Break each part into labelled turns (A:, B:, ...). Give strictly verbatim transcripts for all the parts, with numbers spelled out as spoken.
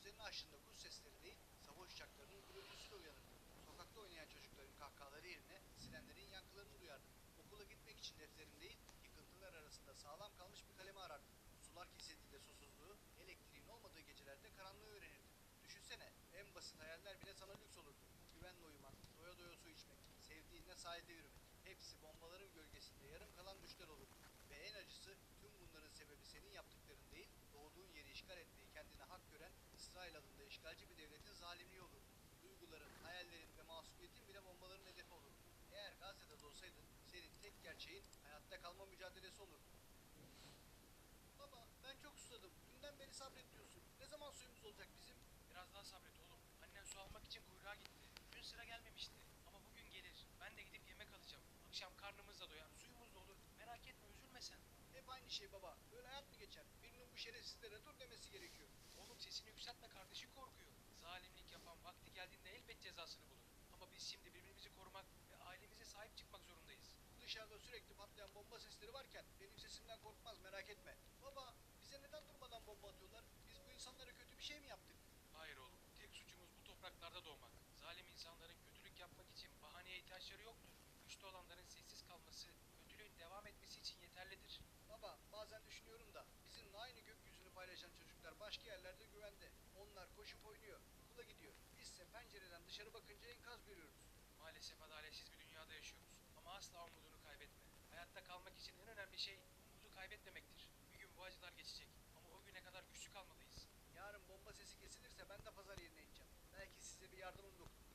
A: gözlerini açtığında kuş sesleri değil, savaş uçaklarının gürültüsüyle uyanırdı. Sokakta oynayan çocukların kahkahaları yerine sirenlerin yankılarını duyardı. Okula gitmek için defterin değil, yıkıntılar arasında sağlam kalmış bir kalemi arardı. Sular kesildiğinde susuzluğu, elektriğin olmadığı gecelerde karanlığı öğrenirdi. Düşünsene, en basit hayaller bile sana lüks olurdu. Güvenle uyumak, doya doya su içmek, sevdiğinle sahilde yürümek. Hepsi bombaların gölgesinde yarım kalan düşler olurdu. Ve en acısı tüm bunların sebebi senin yaptıkların değil, doğduğun yeri işgal etmeyi kendine hak gören İsrail adında işgalci bir devletin zalimliği olurdu. Duyguların, hayallerin ve masumiyetin bile bombaların hedefi olurdu. Eğer Gazze'de doğsaydın, senin tek gerçeğin hayatta kalma mücadelesi olurdu. Baba, ben çok susadım. Dünden beri sabret diyorsun. Ne zaman suyumuz olacak bizim?
B: Biraz daha sabret oğlum. Annen su almak için kuyruğa gitti. Dün sıra gelmemişti. Ama bugün gelir. Ben de gidip yemek alacağım. Akşam karnımız da doyar, suyumuz da olur. Merak etme, üzülme sen.
A: Hep aynı şey baba. Böyle hayat mı geçer? Birinin bu şerefsizlere dur demesi gerekiyor.
B: Oğlum sesini yükseltme, kardeşin korkuyor. Zalimlik yapan vakti geldiğinde elbet cezasını bulur. Ama biz şimdi birbirimizi korumak ve ailemize sahip çıkmak zorundayız.
A: Dışarıda sürekli patlayan bomba sesleri varken benim sesimden korkmaz merak etme. Baba, bize neden durmadan bomba atıyorlar? Biz bu insanlara kötü bir şey mi yaptık?
B: Hayır oğlum, tek suçumuz bu topraklarda doğmak. Zalim insanların kötülük yapmak için bahaneye ihtiyaçları yoktur. Güçlü olanların sessiz kalması, kötülüğün devam etmesi için yeterlidir.
A: Baba, bazen düşünüyorum da bizimle aynı gökyüzünü paylaşan çocuklar başka yerlerde güvende. Onlar koşup oynuyor, okula gidiyor. Bizse pencereden dışarı bakınca enkaz görüyoruz.
B: Maalesef adaletsiz bir dünyada yaşıyoruz. Ama asla umudunu kaybetme. Hayatta kalmak için en önemli şey umudu kaybetmemektir. Bir gün bu acılar geçecek. Ama o güne kadar güçlü kalmalıyız.
A: Yarın bomba sesi kesilirse ben de pazar yerine ineceğim. Belki size bir yardımım dokunur.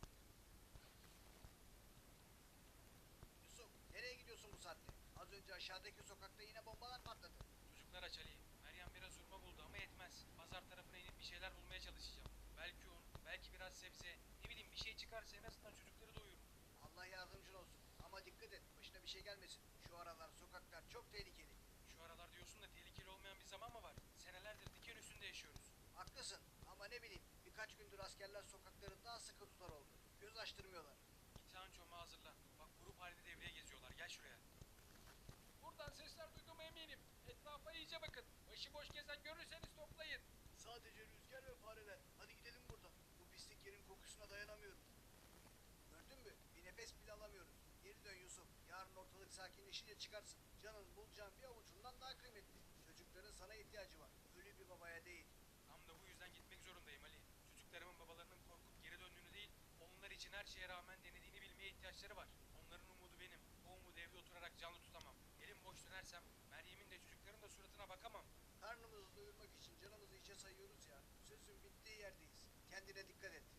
A: Yusuf, nereye gidiyorsun bu saatte? Az önce aşağıdaki sokakta yine bombalar patladı.
B: Çocuklar aç Ali. Meryem biraz hurma buldu ama yetmez. Pazar tarafına inip bir şeyler bulmaya çalışacağım. Belki un, belki biraz sebze. Ne bileyim, bir şey çıkarsa en azından çocukları doyururum.
A: Allah yardımcın olsun. Ama dikkat et, başına bir şey gelmesin. Şu aralar sokaklar çok tehlikeli.
B: Şu aralar diyorsun da tehlikeli olmayan bir zaman mı var? Senelerdir diken üstünde yaşıyoruz.
A: Haklısın ama ne bileyim birkaç gündür askerler sokakları daha sıkı tutar oldu. Göz açtırmıyorlar.
B: İmtihan çomağı hazırla. Bak, grup halinde devreye geziyorlar. Gel şuraya. Buradan sesler duyduğuma eminim. Etrafa iyice bakın. Başıboş gezen görürseniz toplayın.
A: Sadece rüzgar ve fareler. Hadi gidelim buradan. Bu pislik yerin kokusuna dayanamıyorum. Gördün mü? Bir nefes bile alamıyoruz. Geri dön Yusuf. Yarın ortalık sakinleşince çıkarsın. Canın bulacağın bir avucundan daha kıymetli. Çocukların sana ihtiyacı var. Ölü bir babaya değil.
B: Tam da bu yüzden gitmek zorundayım Ali. Çocuklarımın babalarının korkup geri döndüğünü değil, onlar için her şeye rağmen denediğini bilmeye ihtiyaçları var. Onların umudu benim. O umudu evde oturarak canlı tutamam. Elim boş dönersem Meryem'in de çocukların da suratına bakamam.
A: Karnımızı doyurmak için canımızı içe sayıyoruz ya. Sözün bittiği yerdeyiz. Kendine dikkat et.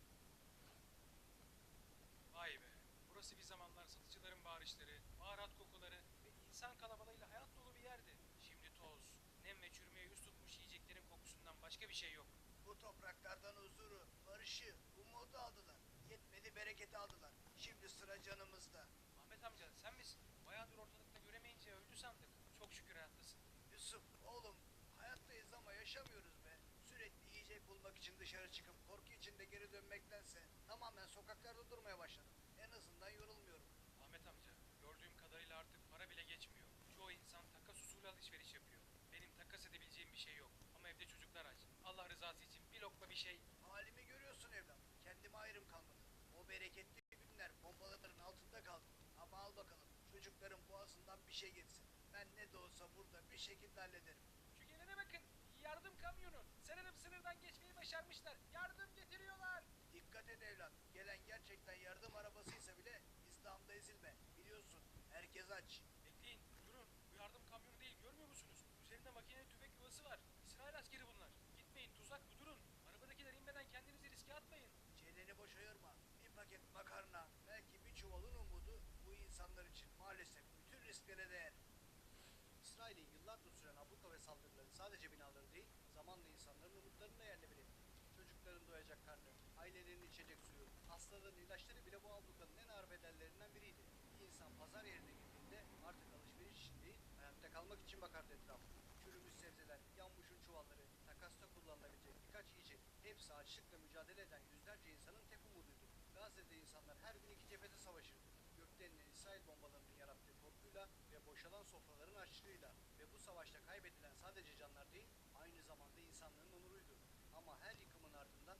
B: Vay be. Burası bir zamanlar satıcıların bağırışları, baharat kokuları ve insan kalabalığıyla hayat dolu bir yerdi. Şimdi toz, nem ve çürümeye yüz tutmuş yiyeceklerin kokusundan başka bir şey yok.
A: Bu topraklardan huzuru, barışı, umudu aldılar. Yetmedi bereketi aldılar. Şimdi sıra canımızda.
B: Ahmet amca, sen misin? Bayağıdır ortalıkta göremeyince öldü sandık. Çok şükür hayattasın.
A: Yusuf, oğlum, hayattayız ama yaşamıyoruz be. Sürekli yiyecek bulmak için dışarı çıkıp korku içinde geri dönmektense tamamen sokaklarda durmaya başladım. En azından yorulmuyorum.
B: Ahmet amca, gördüğüm kadarıyla artık para bile geçmiyor. Çoğu insan takas usulü alışveriş yapıyor. Benim takas edebileceğim bir şey yok. Ama evde çocuklar aç. Allah rızası için bir lokma bir şey.
A: Halimi görüyorsun evlat. Kendime ayrım kalmadı. O bereketli günler bombaların altında kaldı. Ama al bakalım çocukların boğazından bir şey geçsin. Ben ne de olsa burada bir şekilde hallederim.
B: Şu gelene bakın. Yardım kamyonu. Sanırım sınırdan geçmeyi başarmışlar. Yardım getiriyorlar.
A: Dikkat et evlat. Gelen gerçekten yardım arabasıysa bile İslam'da ezilme. Biliyorsun herkes aç.
B: Bekleyin, durun. Bu yardım kamyonu değil, görmüyor musunuz? Üzerinde makineli tüfek yuvası var. İsrail askeri bunlar. Gitmeyin, tuzak bu, durun. Arabadakiler inmeden kendinizi riske atmayın.
A: Çeneni boş ayırma. Bir paket makarna, belki bir çuvalın umudu bu insanlar için maalesef bütün risklere değer. İsrail'in yıllardır süren abluka ve saldırıları sadece binaları değil, zamanla insanların umutlarını da yerle bir etti. Çocukların doyacak karnı, ailelerinin içecek suyu, hastaların ilaçları bile bu ablukanın en ağır bedellerinden biriydi. Bir insan pazar yerine girdiğinde artık alışveriş için değil, hayatta kalmak için bakardı etrafına. Çürümüş sebzeler, yanmışın çuvalları, takasta kullanılabilecek birkaç yiyecek, hepsi açlıkla mücadele eden yüzlerce insanın tek umuduydu. Gazze'de insanlar her gün iki cephede savaşırdı. Gökten inen İsrail bombalarının yarattığı korkuyla ve boşalan sofraların açlığıyla ve bu savaşta kaybedilen sadece canlar değil, aynı zamanda insanlığın onuruydu. Ama her yıkımın ardından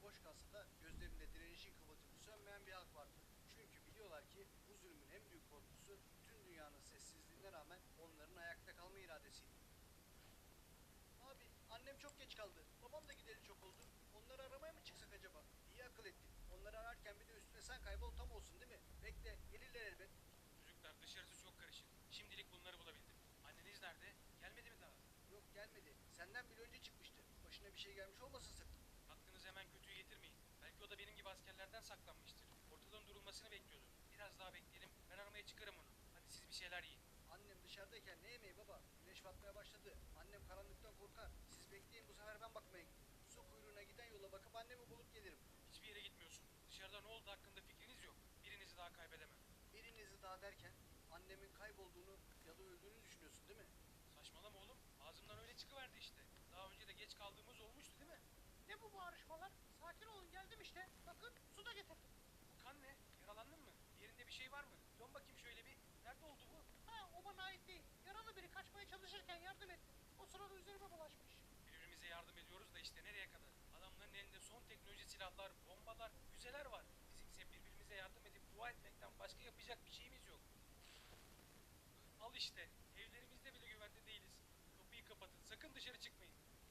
A: boş kalsa da gözlerinde direnişin kıvılcımı sönmeyen bir halk vardı. Çünkü biliyorlar ki bu zulmün en büyük korkusu tüm dünyanın sessizliğine rağmen onların ayakta kalma iradesiydi. Abi annem çok geç kaldı. Babam da gideli çok oldu. Onları aramaya mı çıksak acaba? İyi akıl ettin. Onları ararken bir de üstüne sen kaybol tam olsun değil mi? Bekle gelirler elbet.
B: Çocuklar dışarısı çok karışık. Şimdilik bunları bulabildim. Anneniz nerede? Gelmedi mi daha?
A: Yok gelmedi. Senden bile önce çıkmıştı. Başına bir şey gelmiş olmasın sakın.
B: Aklınızı hemen kötüyü getirmeyin. Belki o da benim gibi askerlerden saklanmıştır. Ortadan durulmasını bekliyordur. Biraz daha bekleyelim. Ben aramaya çıkarım onu. Hadi siz bir şeyler yiyin.
A: Annem dışarıdayken ne yemeği baba? Güneş batmaya başladı. Annem karanlıktan korkar. Siz bekleyin bu sefer ben bakmaya gideyim. Su kuyruğuna giden yola bakıp annemi bulup gelirim.
B: Hiçbir yere gitmiyorsun. Dışarıda ne oldu hakkında fikriniz yok. Birinizi daha kaybedemem.
A: Birinizi daha derken annemin kaybolduğunu ya da öldüğünü düşünüyorsun değil mi?
B: Saçmalama oğlum. Ağzımdan öyle çıkıverdi işte. Daha önce de geç kaldığımız olmuştu değil mi?
C: Ne bu bağırışmalar? Sakin olun geldim işte. Bakın su da getirdim.
B: Bu kan ne? Yaralandın mı? Bir yerinde bir şey var mı? Dön bakayım şöyle bir. Nerede oldu bu?
C: Ha o bana ait değil. Yaralı biri kaçmaya çalışırken yardım ettim. O sırada üzerime bulaşmış.
B: Birbirimize yardım ediyoruz da işte nereye kadar? Adamların elinde son teknoloji silahlar, bombalar, füzeler var. Bizimse birbirimize yardım edip dua etmekten başka yapacak bir şeyimiz yok. Al işte. Evlerimizde bile güvende değiliz. Kapıyı kapatın. Sakın dışarı çıkmayın.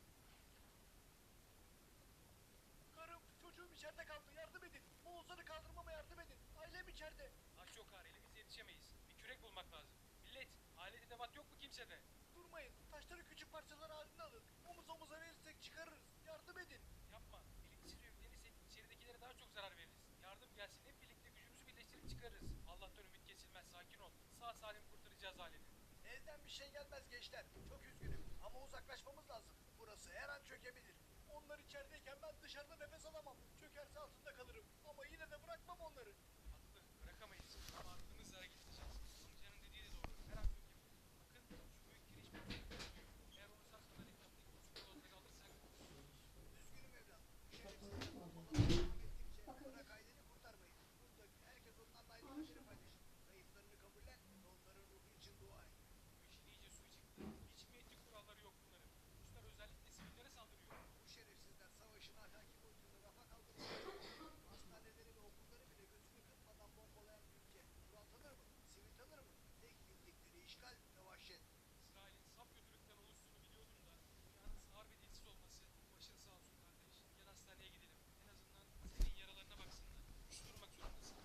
A: Karım, çocuğum içeride kaldı. Yardım edin. Oğuzhan'ı kaldırmama yardım edin. Ailem içeride.
B: Taş yok har. Elimizde yetişemeyiz. Bir kürek bulmak lazım. Millet, alet edevat yok mu kimsede?
A: Durmayın. Taşları küçük parçalar halinde alın. Omuz omuza verirsek çıkarırız. Yardım edin.
B: Yapma. Birlikte yüklenirsek içeridekilere daha çok zarar veririz. Yardım gelsin hep birlikte gücümüzü birleştirip çıkarırız. Allah'tan ümit kesilmez. Sakin ol. Sağ salim kurtaracağız aleti.
A: Elden bir şey gelmez gençler. Çok üzgünüm ama uzaklaşmamız lazım. Burası her an çökebilir. Onlar içerideyken ben dışarıda nefes alamam. Çökerse altında kalırım. Ama yine de bırakmam onları.
B: Haklı. Bırakamayız. Ama aklımızla hareket edeceğiz. Amcanın dediği de doğru. Her an çökebilir. Bakın şu büyük giriş bir duruyor. Eğer onu sağ salim etraftaki küçük yolları alırsak
A: Üzgünüm evladım. Şerefsizler bombalamaya devam ettikçe bırak aileni kurtarmayı. Buradaki herkes onlarla aynı kaderi paylaşır. Kayıplarını kabullen ve onların ruhu için dua et.
B: bu işin iyice suyu çıktı. Hiç mi etik kuralları yok bunların? Ruslar özellikle sivillere saldırıyor.
A: Bu şerefsizler savaşın ahlaki boyutunu rafa kaldırmış. Hastaneleri ve okulları bile gözünü kırpmadan bombalayan bir ülke. Kural tanır mı? Sivil tanır mı? Tek bildikleri işgal ve vahşet.
B: İsrail'in saf kötülükten oluştuğunu biliyordum da dünyanın sağır ve dilsiz olması. Başın sağ olsun kardeş. Gel hastaneye gidelim. En azından senin yaralarına baksınlar. Güçlü durmak zorundasın.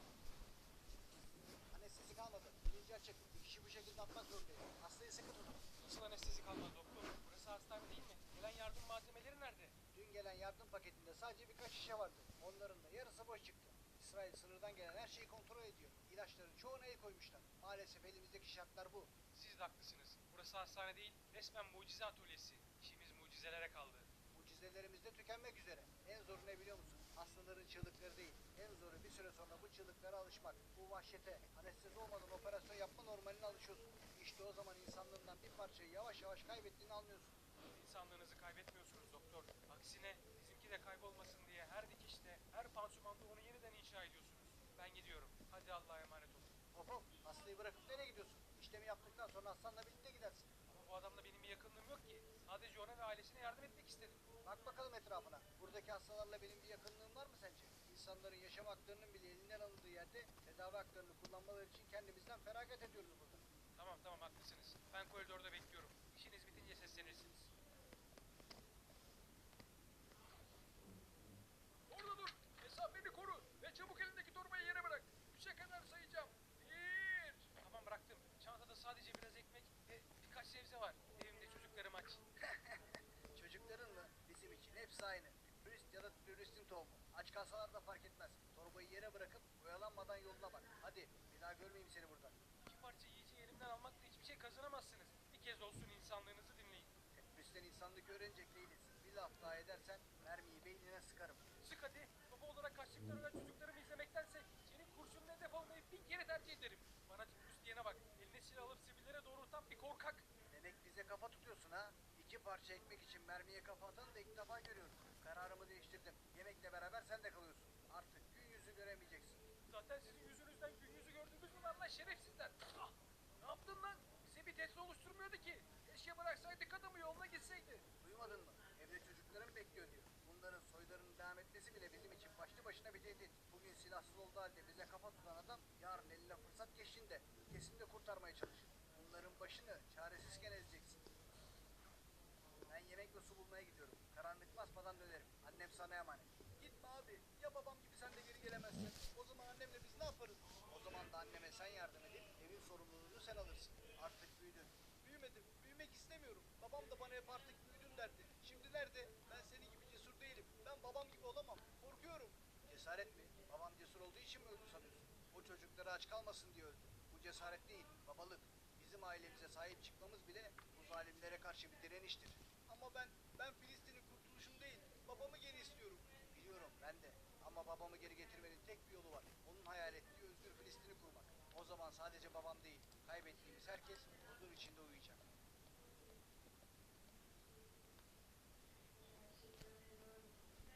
A: Anestezi kalmadı. Bilinci açık. Bir kişi bu şekilde atmak zorundayım. Hastayı sıkı tutun.
B: Nasıl anestezi kalmadı doktor? Burası hastane değil mi? Gelen yardım malzemeleri nerede?
A: Dün gelen yardım paketinde sadece birkaç şişe vardı. Onların da yarısı boş çıktı. İsrail sınırdan gelen her şeyi kontrol ediyor. İlaçların çoğuna el koymuşlar. Maalesef elimizdeki şartlar bu.
B: Siz de haklısınız. Burası hastane değil, resmen mucize atölyesi. İşimiz mucizelere kaldı.
A: Mucizelerimiz de tükenmek üzere. En zoru ne biliyor musun? Hastaların çığlıkları değil. En zoru bir süre sonra bu çığlıklara alışmak. Bu vahşete, anestezi olmadan operasyon yapma normaline alışıyorsun. İşte o zaman insanlığından bir parçayı yavaş yavaş kaybettiğini anlıyorsun.
B: İnsanlığınızı kaybetmiyorsunuz doktor. Aksine bizimki de kaybolmasın diye her dikişte, her pansumanda onu yeniden inşa ediyorsunuz. Ben gidiyorum. Hadi Allah'a emanet olun.
A: Hop hop, hastayı bırakıp nereye gidiyorsun? İşlemi yaptıktan sonra hastanla birlikte gidersin.
B: Ama bu adamla benim bir yakınlığım yok ki. Sadece ona ve ailesine yardım etmek istedim.
A: Bak bakalım etrafına. Buradaki hastalarla benim bir yakınlığım var mı sence? İnsanların yaşam haklarının bile elinden alındığı yerde tedavi haklarını kullanmaları için kendimizden feragat ediyoruz burada.
B: Tamam tamam haklısınız. Ben koridorda bekliyorum. İşiniz bitince seslenirsiniz. Orada dur. Mesafeni koru. Ve çabuk elindeki torbayı yere bırak. Üçe kadar sayacağım. Bir. Tamam bıraktım. Çantada sadece biraz ekmek ve birkaç sebze var. Evimde çocuklarım aç.
A: Çocukların mı? Bizim için hepsi aynı. Turist ya da teröristin tohumu. Aç kalsalar da fark etmez. Torbayı yere bırakıp oyalanmadan yoluna bak. Hadi bir daha görmeyeyim seni burada.
B: İki parça yiyeceği elimden almakla hiçbir şey kazanamazsınız. Bir kez olsun insanlığınızı dinleyin.
A: Teröristten insanlık öğrenecek değiliz. Bir laf daha edersen mermiyi beynine sıkarım.
B: Sık hadi. Baba olarak kaçtıkları ölen çocuklarımı izlemektense senin kurşunun hedef olmayı bin kere tercih ederim. Bana terörist diyene bak. Eline silah alıp sivillere doğrultan bir korkak.
A: Demek bize kafa tutuyorsun ha? İki parça ekmek için mermiye kafa atanı da ilk defa görüyorum. Kararımı değiştirdim. Yemekle beraber sen de kalıyorsun. Artık gün yüzü göremeyeceksin.
B: Zaten sizin yüzünüzden gün yüzü gördüğümüz mü var lan şerefsizler? Ah! Ne yaptın lan? Bize bir tehdit oluşturmuyordu ki. Keşke bıraksaydık adamı yoluna gitseydi.
A: Duymadın mı? Evde çocukların bekliyor diyor. Bunların soylarının devam etmesi bile bizim silahsız olduğu halde bize kafa tutan adam yarın eline fırsat geçtiğinde kesin de kurtarmaya çalışır. Bunların başını çaresizken ezeceksin. Ben yemek ve su bulmaya gidiyorum. Karanlık basmadan dönerim. Annem sana emanet. Gitme abi. Ya babam gibi sen de geri gelemezsin. O zaman annemle biz ne yaparız? O zaman da anneme sen yardım edip evin sorumluluğunu sen alırsın. Artık büyüdün. Büyümedim. Büyümek istemiyorum. Babam da bana hep artık büyüdün derdi. Şimdi nerede? Ben senin gibi cesur değilim. Ben babam gibi olamam. Korkuyorum. Cesaret mi? Babam cesur olduğu için mi öldü sanıyorsun? O çocukları aç kalmasın diye öldü. Bu cesaret değil, babalık. Bizim ailemize sahip çıkmamız bile bu zalimlere karşı bir direniştir. Ama ben, ben Filistin'in kurtuluşunu değil, babamı geri istiyorum. Biliyorum ben de. Ama babamı geri getirmenin tek bir yolu var. Onun hayal ettiği özgür Filistin'i kurmak. O zaman sadece babam değil, kaybettiğimiz herkes huzur içinde uyuyacak.